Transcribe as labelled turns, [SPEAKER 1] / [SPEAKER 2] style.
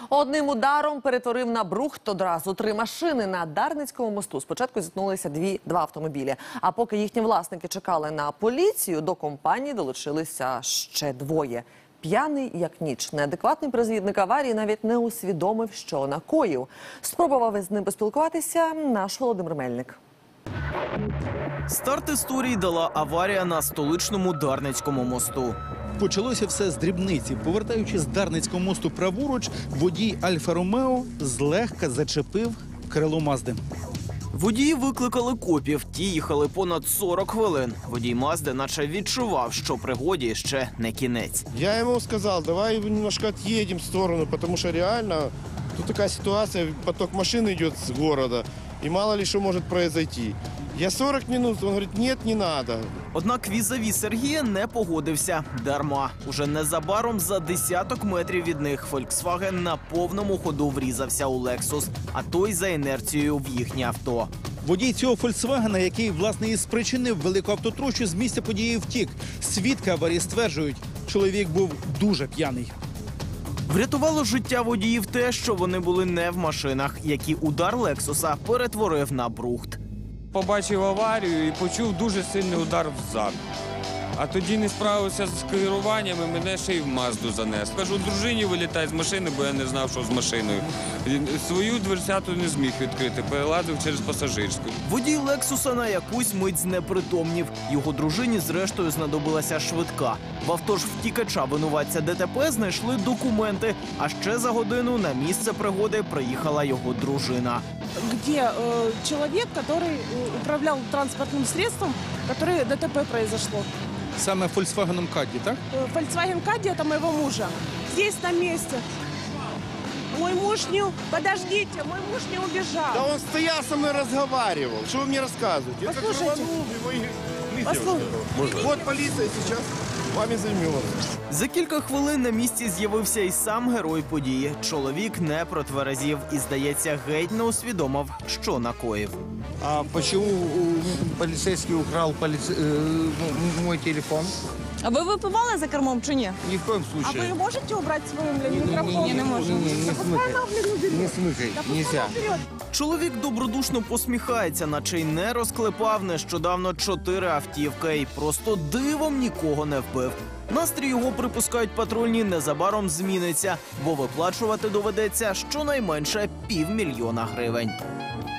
[SPEAKER 1] Одним ударом перетворив на брухт одразу 3 машини. На Дарницькому мосту спочатку зіткнулися два автомобілі. А поки їхні власники чекали на поліцію, до компанії долучилися ще 2. П'яний як ніч. Неадекватний призвідник аварії навіть не усвідомив, що накоїв. Спробував із ним поспілкуватися наш Володимир Мельник.
[SPEAKER 2] Старт історії дала аварія на столичному Дарницькому мосту.
[SPEAKER 3] Почалося все з дрібниці. Повертаючись з Дарницького мосту праворуч, водій Альфа-Ромео злегка зачепив крило Мазди.
[SPEAKER 2] Водії викликали копів, ті їхали понад 40 хвилин. Водій Мазди наче відчував, що пригоді ще не кінець.
[SPEAKER 4] Я ему сказал, давай немножко отъедем в сторону, потому что реально тут такая ситуация, поток машин идет с города, и мало ли что может произойти. Я 40 минут, он говорит, нет, не надо.
[SPEAKER 2] Однак візаві Сергія не погодився. Дарма. Уже незабаром за десяток метрів від них Volkswagen на повному ходу врізався у Lexus, а той за інерцією в їхнє авто.
[SPEAKER 3] Водій цього «Фольксвагена», який, власне, і спричинив велику автотрощу, з місця події втік. Свідки аварії стверджують, чоловік був дуже п'яний.
[SPEAKER 2] Врятувало життя водіїв те, що вони були не в машинах, які удар Лексуса перетворив на брухт.
[SPEAKER 5] Побачив аварію і почув дуже сильний удар взад. А тоді не справився з керуванням і мене ще й в Мазду занес. Кажу, дружині вилітай з машини, бо я не знав, що з машиною. Свою дверцяту не зміг відкрити, перелазив через пасажирську.
[SPEAKER 2] Водій Лексуса на якусь мить знепритомнів. Його дружині зрештою знадобилася швидка. В авто ж втікача винуватця ДТП знайшли документи, а ще за годину на місце пригоди приїхала його дружина.
[SPEAKER 6] Где человек, который управлял транспортным средством, которое ДТП произошло.
[SPEAKER 3] Саме «Фольксвагеном Кадді», так?
[SPEAKER 6] Volkswagen Caddy – это моего мужа. Здесь, на месте. Мой муж не... Подождите, мой муж не убежал.
[SPEAKER 4] Да он стоял со мной, разговаривал. Что вы мне рассказываете? Я как
[SPEAKER 6] Послушайте.
[SPEAKER 4] рванул, его и
[SPEAKER 6] Послушайте.
[SPEAKER 4] Вот полиция сейчас вами займется.
[SPEAKER 2] За кілька хвилин на місці з'явився і сам герой події. Чоловік не протверезів і, здається, геть не усвідомив, що накоїв.
[SPEAKER 7] А почему полицейский украл мой телефон?
[SPEAKER 8] А ви випивали за кермом чи ні?
[SPEAKER 7] Ни в коем
[SPEAKER 6] А
[SPEAKER 7] случае.
[SPEAKER 6] вы можете убрать свой микрофон?
[SPEAKER 8] не можу.
[SPEAKER 7] Не смыкай, нельзя.
[SPEAKER 2] Чоловік добродушно посміхається, наче й не розклепав нещодавно 4 автівки і просто дивом нікого не вбив. Настрій його, припускають патрульні, незабаром зміниться, бо виплачувати доведеться щонайменше 500 000 гривень.